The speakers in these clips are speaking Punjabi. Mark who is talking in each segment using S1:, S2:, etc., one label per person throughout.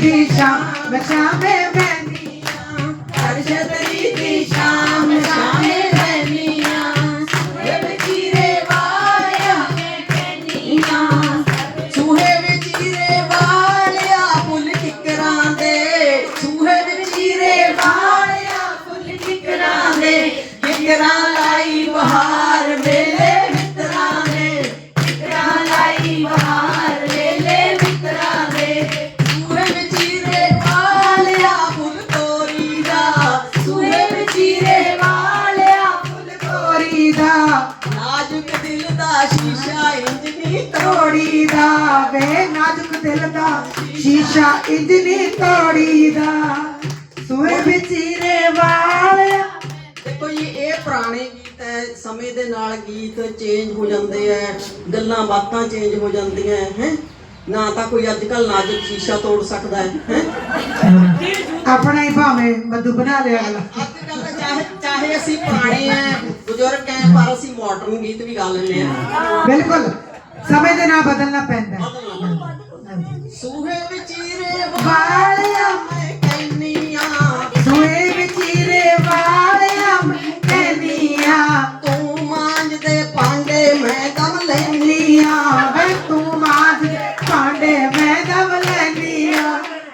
S1: दी शाम शामे बहनिया, हर छतरी दी शाम शामे बहनिया, सूहे विचीरे वालिया कहनिया, सूहे विचीरे वालिया फुल किकरां दे, सूहे विचीरे वालिया फुल किकरां दे, किकरां लाई बहार मेले मित्रां ने, किकरां लाई बहार मेले मित्रां ने, सूहे विचीरे वालिया फुल तोरी दा, सूहे विचीरे वालिया फुल तोरी दा, नाजुक दिल दा शीशा इंज नी तोड़ी दा, वे नाजुक दिल दा शीशा इंज नी तोड़ी दा, सूहे विचीरे वालिया। देखो जी ਇਹ ਪੁਰਾਣੇ ਗੀਤ ਹੈ, ਸਮੇਂ ਦੇ ਨਾਲ ਗੀਤ ਚੇਂਜ ਹੋ ਜਾਂਦੇ ਐ, ਗੱਲਾਂ ਬਾਤਾਂ ਚੇਂਜ ਹੋ ਜਾਂਦੀਆਂ ਹੈ, ਨਾ ਤਾਂ ਕੋਈ ਅੱਜ ਕੱਲ ਨਾਜ਼ੁਕ ਸ਼ੀਸ਼ਾ ਤੋੜ ਸਕਦਾ ਹੈ, ਆਪਣਾ ਹੀ ਭਾਵੇਂ ਮਧੂ ਬਣਾ ਲਿਆ ਅਗਲਾ। ਅੱਜ ਕੱਲ ਚਾਹੇ ਅਸੀਂ ਪੁਰਾਣੇ ਐ ਬਜ਼ੁਰਗ ਐ ਪਰ ਅਸੀਂ ਮਾਡਰਨ ਗੀਤ ਵੀ ਗਾ ਲੈਂਦੇ ਆ। ਬਿਲਕੁਲ ਸਮੇਂ ਦੇ ਨਾਲ ਬਦਲਣਾ ਪੈਂਦਾ। ਸੂਹੇ ਵਿਚੀਰੇ ਵਾਲਿਆ ਮੈਂ ਕਹਿੰਨੀਆਂ, ਸੂਹੇ ਵਿਚੀਰੇ ਵਾਲਿਆ ਮੈਂ ਕਹਿੰਨੀਆਂ, ਤੂੰ ਮਾਂਜਦੇ ਭਾਂਡੇ ਮੈਂ ਦਮ ਲੈਂਦੀਆਂ, ਵੇ ਤੂੰ ਮਾਂਜਦੇ ਭਾਂਡੇ ਮੈਂ ਦਮ ਲੈਂਦੀਆਂ।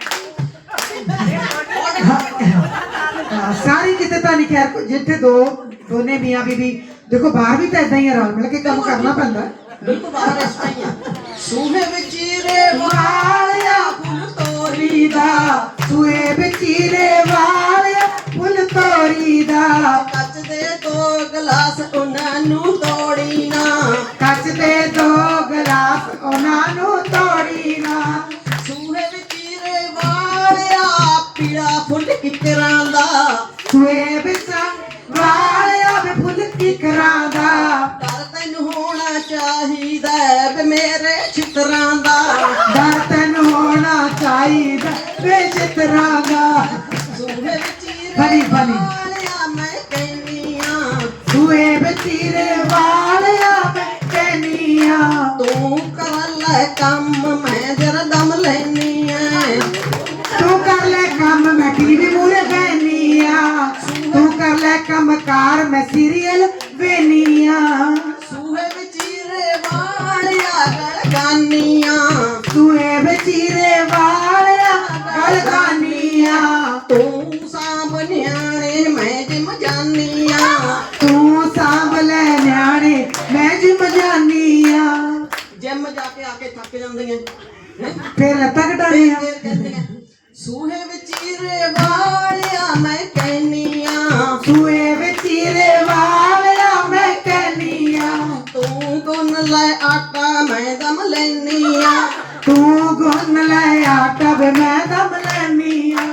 S1: ਸਾਰੀ ਕਿਤੇ ਤਾਂ ਨਹੀਂ ਖੈਰ ਜਿੱਥੇ ਦੋਨੇ ਮੀਆਂ ਬੀਬੀ ਦੇਖੋ ਬਾਹਰ ਵੀ ਤਾਂ ਇਦਾਂ ਹੀ ਰਲ ਮਿਲ ਕੇ ਕੰਮ ਕਰਨਾ ਪੈਂਦਾ। ਬਿਲਕੁਲ ਬਾਹਰ ਇਸ ਤਰ੍ਹਾਂ ਹੀ ਆ। ਸੂਹੇ ਵਿਚੀਰੇ ਵਾਲਿਆ ਫੁੱਲ ਤੋਰੀ ਦਾ, ਸੂਹੇ ਵਿਚੀਰੇ ਵਾਲਿਆ ਫੁੱਲ ਤੋਰੀ ਦਾ, ਕੱਚ ਦੇ ਦੋ ਗਲਾਸ ਉਹਨਾਂ ਨੂੰ ਤੋੜੀ ਨਾ, ਕੱਚ ਦੇ ਦੋ ਗਲਾਸ ਉਹਨਾਂ ਨੂੰ ਤੋੜੀ ਨਾ, ਸੂਹੇ ਵਿਚੀਰੇ ਵਾਲਿਆ ਪੀੜਾ ਫੁੱਲ ਕਿਕਰਾਂ ਦਾ, ਸੂਹੇ ਵਿੱਚ ਵਾਲਿਆ ਵੇ ਫੁੱਲ ਕਿਕਰਾਂ ਦਾ, ਡਰ ਤੈਨੂੰ ਹੋਣਾ ਚਾਹੀਦਾ ਵੇ ਮੇਰੇ ਚਿੱਤਰਾਂ ਦਾ, ਡਰ ਤੈਨੂੰ ਹੋਣਾ ਚਾਹੀਦਾ ਵੇ ਚਿੱਤਰਾਂ ਦਾ, ਸੂਹੇ ਵਿਚੀਰੇ ਵਾਲਿਆ ਮੈਂ ਕਹਿੰਨੀਆਂ, ਸੂਹੇ ਵਿਚੀਰੇ ਵਾਲਿਆ ਮੈਂ ਕਹਿੰਨੀਆਂ, ਤੂੰ ਕਰ ਲੈ ਕੰਮ ਮੈਂ ਜਰਾ ਦਮ ਲੈਨੀਆਂ, ਤੂੰ ਕਰ ਲੈ ਕੰਮ ਮੈਂ ਟੀਵੀ ਮੂਹਰੇ ਬਹਿਨੀਆਂ, ਤੂੰ ਕਰ ਲੈ ਕੰਮ ਕਾਰ ਮੈਂ ਸੀਰੀਅਲ ਵੇਨੀਆਂ, ਸੂਹੇ ਵਿਚੀਰੇ ਵਾਲਿਆ ਗਲ ਗਾਨੀਆਂ, ਸੂਹੇ ਵਿਚੀਰੇ ਵਾਲਿਆ ਗਲ ਗਾਨੀਆਂ, ਤੂੰ ਸਾਂਭ ਨਿਆਣੇ ਮੈਂ ਜਿਮ ਜਾਨੀਆਂ, ਤੂੰ ਸਾਂਭ ਲੈ ਨਿਆਣੇ ਮੈਂ ਜਿਮ ਜਾਨੀਆਂ। ਜਿਮ ਜਾ ਕੇ ਆ ਕੇ ਥੱਕ ਜਾਂਦੀਆਂ ਫੇਰ ਲੱਤਾਂ ਘਟਾਣੀਆਂ। ਸੂਹੇ ਵਿਚੀਰੇ ਵਾਲਿਆ ਮੈਂ ਕਹਿੰਨੀਆਂ, ਸੂਹੇ ਵਿਚੀਰੇ ਵਾਲਿਆ ਮੈਂ ਕਹਿੰਨੀਆਂ, ਤੂੰ ਗੁੰਨ ਲੈ ਆਟਾ ਮੈਂ ਦਮ ਲੈਨੀਆਂ, ਤੂੰ ਗੁੰਨ ਲੈ ਆਟਾ ਵੇ ਮੈਂ ਦਮ ਲੈਨੀਆਂ।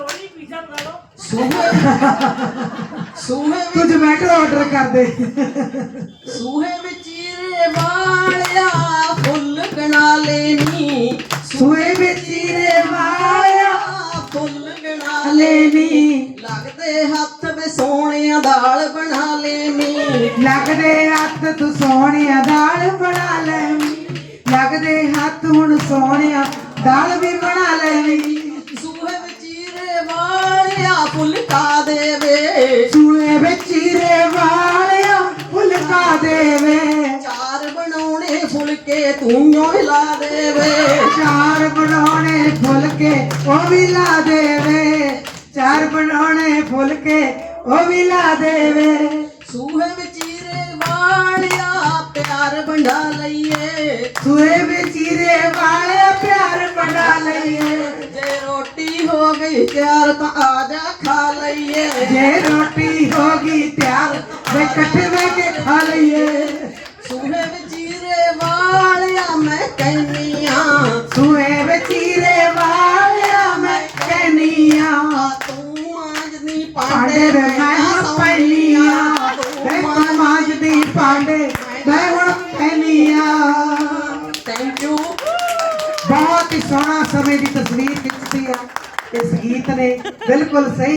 S1: ਸੂਹੇ ਤੂੰ ਜਮੈਟੋ ਆਰਡਰ ਕਰ ਦੇ। ਸੂਹੇ ਵਿਚੀਰੇ ਵਾਲਿਆ ਫੁੱਲ ਗਣਾ ਲੈਨੀ, ਸੂਹੇ ਵਿਚੀਰੇ ਵਾਲਿਆ ਫੁੱਲ ਗਣਾ ਲੈਨੀ, ਲੱਗਦੇ ਹੱਥ ਵੇ ਸੋਹਣਿਆ ਦਾਲ ਬਣਾ ਲੈਨੀ, ਲੱਗਦੇ ਹੱਥ ਤੂੰ ਸੋਹਣਿਆ ਦਾਲ ਬਣਾ ਲੈਨੀ, ਲੱਗਦੇ ਹੱਥ ਹੁਣ ਸੋਹਣਿਆ ਦਾਲ ਵੀ ਬਣਾ ਲੈਨੀ, ਸੂਹੇ ਵਿਚੀਰੇ ਵਾਲਿਆ ਫੁਲਕਾ ਦੇਵੇ, ਸੂਹੇ ਵਿਚੀਰੇ ਵਾਲਿਆ ਫੁਲਕਾ ਦੇਵੇ, ਚਾਰ ਬਣਾਉਣੇ ਫੁਲਕੇ ਤੂੰ ਲਾ ਦੇਵੇ, ਚਾਰ ਬਣਾਉਣੇ ਫੁਲਕੇ ਉਹ ਵੀ ਲਾ ਦੇਵੇ, ਚਾਰ ਬਣਾਉਣੇ ਫੁਲਕੇ ਉਹ ਵੀ ਲਾ ਦੇਵੇ, ਸੂਹੇ ਵਿਚੀਰੇ ਵਾਲਿਆ ਪਿਆਰ ਵੰਡਾ ਲਈਏ, ਸੂਹੇ ਵਿਚੀਰੇ ਵਾਲਿਆ ਪਿਆਰ ਵੰਡਾ ਲਈਏ, ਜੇ ਰੋਟੀ ਹੋ ਗਈ ਤਿਆਰ ਤਾਂ ਆ ਜਾ ਖਾ ਲਈਏ, ਜੇ ਰੋਟੀ ਹੋ ਗਈ ਤਿਆਰ ਵੇ ਇਕੱਠੇ ਬਹਿ ਕੇ ਖਾ ਲਈਏ, ਸੂਹੇ ਵਿਚੀਰੇ ਵਾਲਿਆ ਮੈਂ ਕਹਿੰਨੀਆਂ, ਸੂਹੇ ਵਿਚੀਰੇ ਵਾਲਿਆ ਮੈਂ ਕਹਿੰਨੀਆਂ, ਤੂੰ ਮਾਂਜਦੀ ਭਾਂਡੇ ਮੈਂ ਪੈਨੀਆਂ, ਤੂੰ ਮਾਂਜਦੀ ਭਾਂਡੇ ਮੈਂ ਹੁਣ ਪੈਨੀਆਂ। Thank you. ਬਹੁਤ ਹੀ ਸੋਹਣਾ ਸਮੇਂ ਦੀ ਤਸਵੀਰ ਖਿੱਚਦੀ ਆ ਇਸ ਗੀਤ ਨੇ, ਬਿਲਕੁਲ ਸਹੀ।